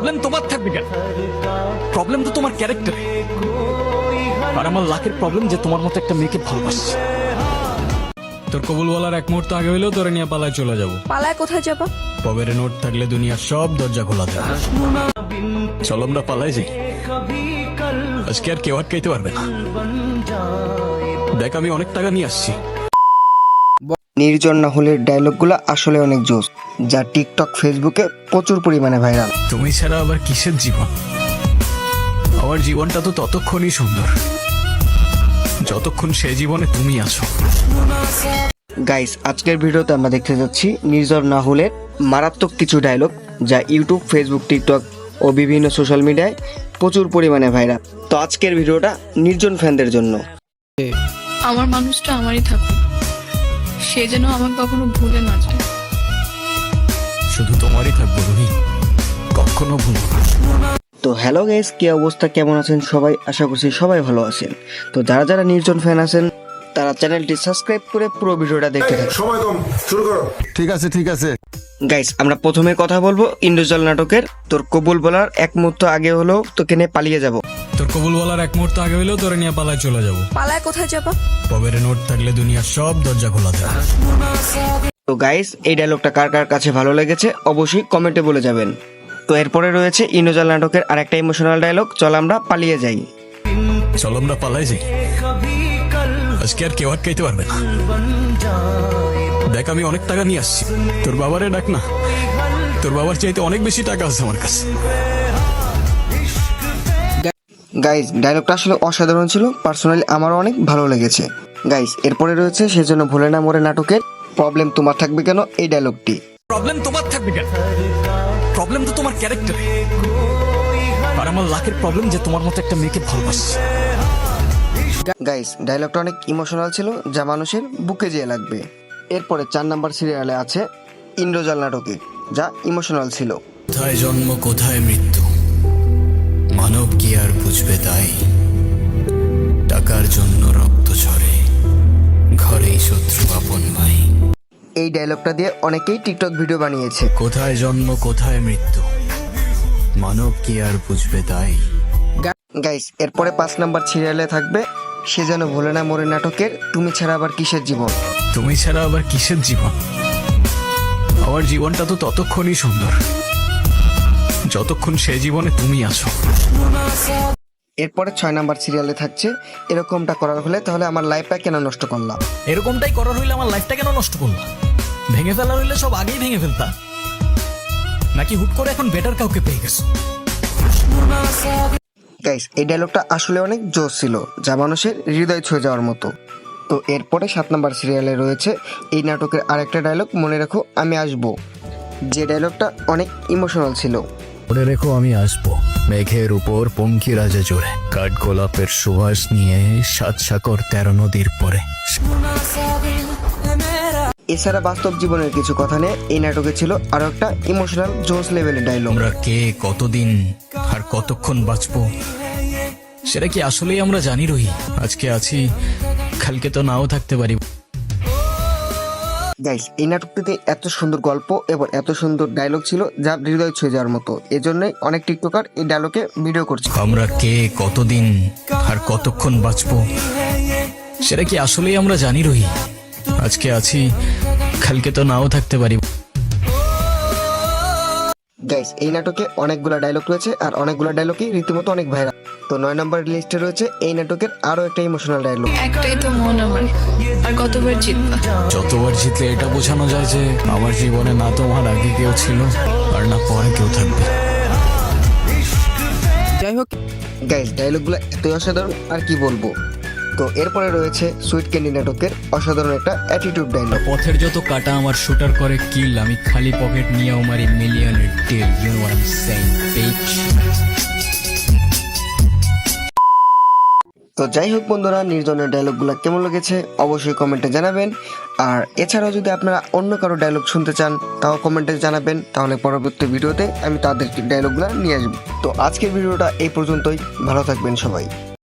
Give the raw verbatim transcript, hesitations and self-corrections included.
Problem তোমার থাকবে কেন? প্রবলেম তো তোমার ক্যারেক্টারে। আর আমার লাখের প্রবলেম যে তোমার মতো একটা মেয়েকে ভালোবাসছে। তোর কবুল বলার এক মুহূর্ত আগে হইলেও তোরে নিয়ে পালায় চলে যাবো। পালায় কোথায় যাবা? পকেটে নোট থাকলে দুনিয়ার সব দরজা খোলা থাকে। চলো আমরা পালাই যাই, আজকে আর কেউ আটকাইতে পারবে না। দেখ আমি অনেক টাকা নিয়ে আসছি। নির্জন নাহুলের ডায়লগগুলো আসলে অনেক জোস, যা টিকটক ফেসবুকে প্রচুর পরিমাণে ভাইরাল। তুমি ছাড়া আবার কিসের জীবন? আমার জীবনটা তো ততক্ষণই সুন্দর যতক্ষণ সে জীবনে তুমি আছো। গাইস, আজকের ভিডিওতে আমরা দেখতে যাচ্ছি নির্জন নাহুলের মারাত্মক কিছু ডায়লগ, যা ইউটিউব, ফেসবুক, টিকটক ও বিভিন্ন সোশ্যাল মিডিয়ায় প্রচুর পরিমাণে ভাইরাল। তো আজকের ভিডিওটা নির্জন ফ্যানদের জন্য। আমার মানুষটা আমারই থাকুক, সে যেন আমাকে কখনো ভুলে না যায়। শুধু তোমারই থাকবো রুহি, কখনো ভুলবো না। তো হ্যালো গাইস, কি অবস্থা, কেমন আছেন সবাই? আশা করছি সবাই ভালো আছেন। তো যারা যারা নির্জন ফ্যান আছেন তারা চ্যানেলটি সাবস্ক্রাইব করে পুরো ভিডিওটা দেখতে থাকুন। সময় কম, শুরু করো। ঠিক আছে ঠিক আছে গাইস, আমরা প্রথমে কথা বলবো ইন্দ্রজাল নাটকের তোর কবুল বলার এক মুহূর্ত আগে হলেও তোকে নিয়ে পালিয়ে যাব। তোর কবুল বলার এক মুহূর্ত আগে হইলেও তোরে নিয়ে পালায় চলে যাবো। পালায় কোথায় যাবা? পকেটে নোট থাকলে দুনিয়ার সব দরজা খোলা থাকে। তো গাইস, এই ডায়লগটা কার কার কাছে ভালো লেগেছে অবশ্যই কমেন্টে বলে যাবেন। তো এরপরে রয়েছে ইন্দ্রজাল নাটকের আরেকটা ইমোশনাল ডায়লগ, চল আমরা পালিয়ে যাই। চলো আমরা পালাই যাই, আজকে আর কেউ আটকাইতে পারবে না। দেখ আমি অনেক টাকা নিয়ে আসছি। তোর বাবারে ডাক না, তোর বাবার চাইতে অনেক বেশি টাকা আছে আমার কাছে। গাইস, ডায়লগটা আসলে অসাধারণ ছিল, পার্সোনালি আমারও অনেক ভালো লেগেছে। গাইস, এরপরে রয়েছে সেজন্য ভোলে না মোরে নাটকের প্রবলেম তোমার থাকবে কেন এই ডায়লগটি। প্রবলেম তোমার থাকবে কেন? প্রবলেম তো তোমার ক্যারেক্টারে। আর আমার লাখের প্রবলেম যে তোমার মতো একটা মেয়েকে ভালোবাসছে। গাইস, ডায়লগটা অনেক ইমোশনাল ছিল, যা মানুষের বুকে যেয়ে লাগবে। এরপরে চার নাম্বার সিরিয়ালে আছে ইন্দ্রজাল নাটকে, যা ইমোশনাল ছিল। কোথায় জন্ম কোথায় মৃত্যু, মানব কি আর বুঝবে তাই? টাকার জন্য রক্ত ঝরে, ঘরেই শত্রু আপন ভাই। এই ডায়লগটা দিয়ে অনেকেই টিকটক ভিডিও বানিয়েছে। কোথায় জন্ম কোথায় মৃত্যু, মানব কি আর বুঝবে তাই? গাইস, এরপরে পাঁচ নাম্বার সিরিয়ালে থাকবে সে যেন ভোলে না মোরে নাটকের তুমি ছাড়া আবার কিসের জীবন। তুমি ছাড়া আবার কিসের জীবন? আমার জীবনটা তো ততক্ষণই সুন্দর যতক্ষণ সে জীবনে তুমি আছো। এরপরে ছয় নাম্বার সিরিয়ালে থাকছে এরকমটা করার হলে তাহলে আমার লাইফটা কেন নষ্ট করলাম। এরকমটাই করার হইলে আমার লাইফটা কেন নষ্ট করলা? ভেঙে ফেলার হইলে সব আগেই ভেঙে ফেলতা, নাকি হুট করে এখন বেটার কাউকে পেয়ে গেছো? গাইস, এই ডায়লগটা আসলে অনেক জোশ ছিল, যা মানুষের হৃদয় ছুঁয়ে যাওয়ার মতো। তো এরপরে সাত নাম্বার সিরিয়ালে রয়েছে এই নাটকের আরেকটা ডায়লগ, মনে রাখো আমি আসবো, যে ডায়লগটা অনেক ইমোশনাল ছিল। মনে রেখো আমি আসবো, মেঘের উপর পঙ্কি রাজে জোরে, কাঠ গোলাপের সুবাস নিয়ে সাত সাগর তেরো নদীর পরে। এছাড়া বাস্তব জীবনের কিছু কথা নিয়ে এই নাটকে ছিল আরো একটা ইমোশনাল জোশ লেভেলের ডায়লগ। আমরা কে, কতদিন আর কতক্ষণ বাঁচবো সেটা কি আসলেই আমরা জানি রহি? আজকে আছি, কালকে তো নাও থাকতে পারি। গাইস, এই নাটকটিতে এত সুন্দর গল্প এবং এত সুন্দর ডায়লগ ছিল যা হৃদয় ছুঁয়ে যাওয়ার মতো। এজন্যই অনেক টিকটকার এই ডায়লগে ভিডিও করছে। আমরা কে, কতদিন আর কতক্ষণ বাঁচবো সেটা কি আসলেই আমরা জানি রহি? আজকে আছি, কালকে তো নাও থাকতে পারি। গাইস, এই নাটকে অনেকগুলো ডায়লগ রয়েছে আর অনেকগুলো ডায়লগই রীতিমতো অনেক ভাইরাল। তো নয় নম্বর লিস্টে রয়েছে এই নাটকের আরো একটা ইমোশনাল ডায়লগ। একটাই তো মন আমার, আর কতবার জিতবা? যতবার জিতলে এটা বোঝানো যায় যে আমার জীবনে না তোমার আগে কেউ ছিল আর না পরে কেউ থাকবে। যাই হোক গাইস, ডায়লগগুলো এতই অসাধারণ আর কি বলবো। তো এরপরে রয়েছে সুইট ক্যান্ডি নাটকের অসাধারণ একটা অ্যাটিটিউড ডায়লগ। পথের যত কাটা আমার শুটার করে কিল, আমি খালি পকেট নিয়েও মারি মিলিয়নের deal. You know what I am saying, bitch. তো যাই হোক বন্ধুরা, নির্জনের ডায়লগগুলো কেমন লেগেছে অবশ্যই কমেন্টে জানাবেন। আর এছাড়াও যদি আপনারা অন্য কারো ডায়লগ শুনতে চান তাও কমেন্টে জানাবেন, তাহলে পরবর্তী ভিডিওতে আমি তাদের ডায়লগগুলো নিয়ে আসবো। তো আজকের ভিডিওটা এই পর্যন্তই, ভালো থাকবেন সবাই।